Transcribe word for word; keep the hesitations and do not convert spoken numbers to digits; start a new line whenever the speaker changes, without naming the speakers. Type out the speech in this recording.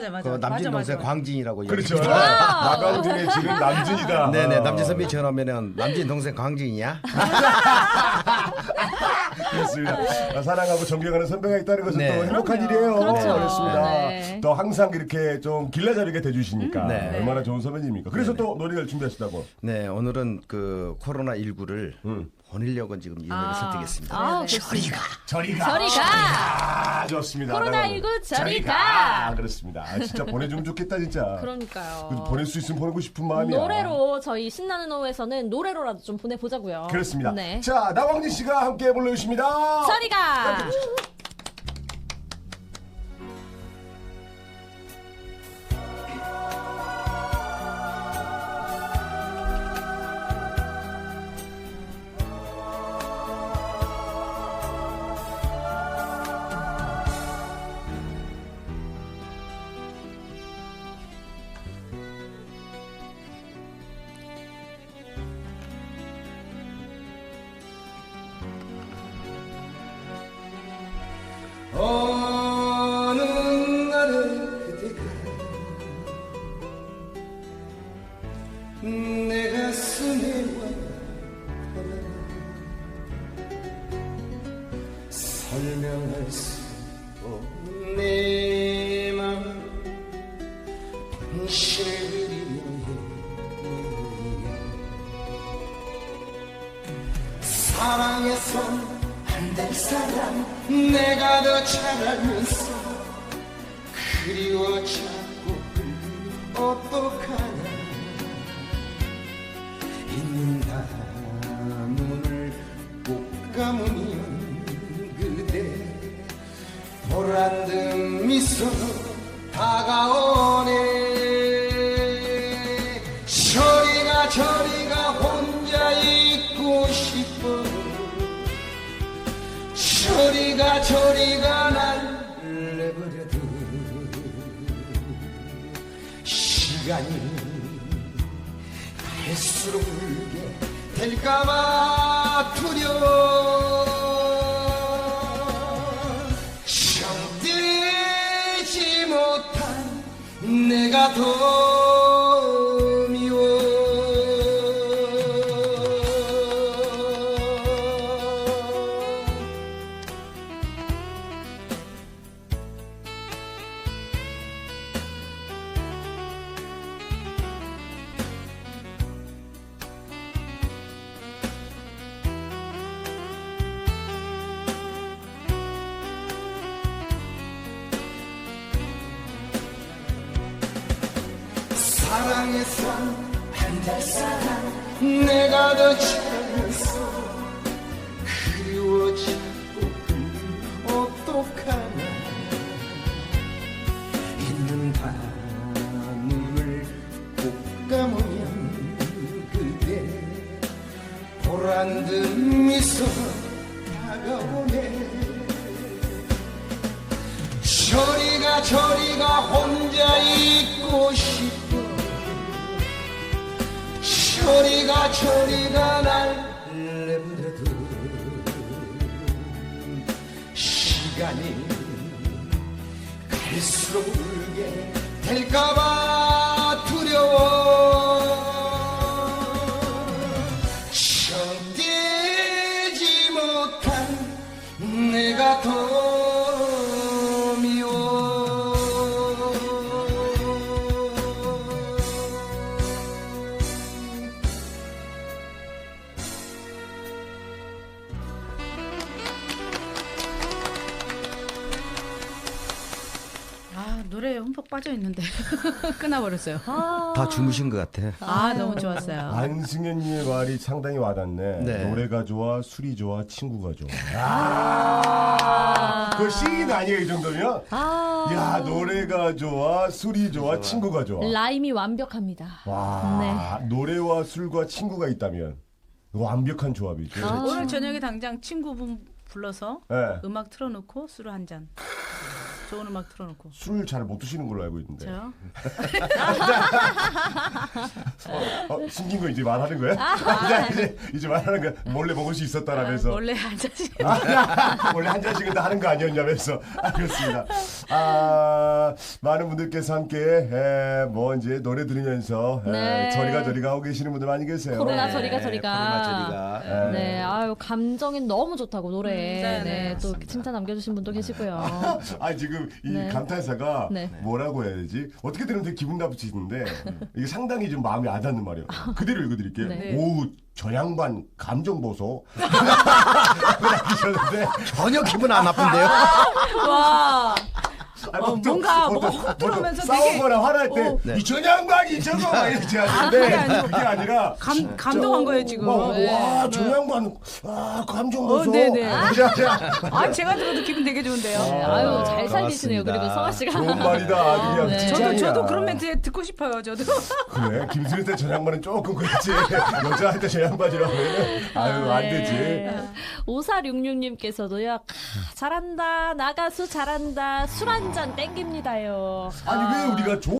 네, 맞아,
그
맞아.
남진
맞아,
동생
맞아.
광진이라고
그렇죠.
얘기해요.
나광진의 지금 남진이다.
네네
어.
남진 선배 전화하면은 남진 동생 광진이야?
그렇습니다. 아, 사랑하고 존경하는 선배가 있다는 것은
네.
또 행복한
그럼요.
일이에요.
그렇죠.
그렇습니다.
네.
또 항상 이렇게 좀 길라잡이게 돼주시니까
음, 네.
얼마나 좋은 선배님입니까. 그래서
네네.
또 노래를 준비하시다고.
네 오늘은 그 코로나 십구를
음.
보내려고 지금 이 노래
아.
선택했습니다.
아,
저리가
저리가.
저리가.
아, 좋습니다.
코로나십구 저리가.
아, 그렇습니다. 아, 진짜 보내주면 좋겠다 진짜.
그러니까요.
그래도 보낼 수 있으면 보내고 싶은 마음이야.
노래로 저희 신나는 오후에서는 노래로라도 좀 보내보자고요.
그렇습니다.
네.
자, 나광진 씨가 함께 불러주십니다.
저리가.
어느 날에 그대가 내 가슴에 와닿아 설명할 수 없는 내 맘 당신을 그리며 사랑해서 안 될 사람 내가 더 잘 알면서 그리워 자꾸 어떡하나 있는 눈을 꼭 감으면 그대 보란듯 미소 다가오네 저리가 저리가 혼자 있고 싶어 저리가 저리가 날 내버려둬 시간이 갈수록 울게 될까봐 두려워 정들지 못한 내가 더 미워 사랑해서 안 될 사람 내가 더 잘면서 그리워 자꾸 어떡하나 있는 눈을 꼭 감으면 그대 보란듯 미소 다가오네 저리가 저리가 혼자 있고 싶어 저리가 저리가 날 내버려둬 시간이 갈수록 울게 될까봐 두려워 정되지 못한 내가 더 미워
아 노래에 흠뻑 빠져 있는데 끊어버렸어요.
아,
다 주무신 것 같아.
아 너무 좋았어요.
안승현님의 말이 상당히 와닿네.
네.
노래가 좋아, 술이 좋아, 친구가 좋아. 아, 그 시인 아니에요 이 정도면?
아.
야 노래가 좋아, 술이 좋아, 친구가 좋아.
라임이 완벽합니다.
와
네.
노래와 술과 친구가 있다면 완벽한 조합이죠.
아.
오늘 저녁에 당장 친구분 불러서
네.
음악 틀어놓고 술 한 잔. 좋은 음악 틀어놓고.
술 잘 못 드시는 걸로 알고 있는데.
저요?
어, 어, 숨긴 거 이제 말하는 거야? 이제 이제 말하는 거야. 몰래 먹을 수 있었다라면서.
아, 원래 한 잔씩.
아, 원래 한 잔씩은 다 하는 거 아니었냐면서. 알겠습니다. 아, 많은 분들께서 함께 에, 뭐 이제 노래 들으면서 에,
네.
저리가 저리가 하고 계시는 분들 많이 계세요.
코로나
네.
저리가 저리가.
코로나 저리가.
네.
네, 아유 감정이 너무 좋다고 노래.
음, 네,
네,
네,
또 칭찬 남겨주신 분도 계시고요.
아 지금 이
네.
감탄사가
네.
뭐라고 해야 되지? 어떻게 들으면 되게 기분 나쁘시는데 이게 상당히 좀 마음에 안 닿는 말이에요. 그대로 읽어드릴게요.
네.
오우 저 양반 감정 보소. 하셨는데
전혀 기분 안 나쁜데요.
와.
아니,
어,
보통-
뭔가
보통-
뭐가
보통
흐르면서 되게-
싸우거나 화날
어.
때
네.
이 저 양반이 저거 막 이렇게 하는데
그게 아니고
그게 아니라
감 감동한 거예요 지금. 네.
와저 양반 아 감정 보소.
어, 네네.
자, 자.
아 제가 들어도 기분 되게 좋은데요.
네,
아,
아유 잘 살리시네요.
고맙습니다.
그리고 성아 씨가.
좋은 말이다. 그냥
네.
저도
칭찬이야.
저도 그런 멘트 듣고 싶어요. 저도.
그래 김수일 때 저 양반은 조금 그렇지 여자한테 저 양반이라고 하면 아유 안 되지.
네. 오사육육님께서도요. 아, 잘한다. 나가수 잘한다. 술 한 잔 땡깁니다요.
아니 왜 우리가 조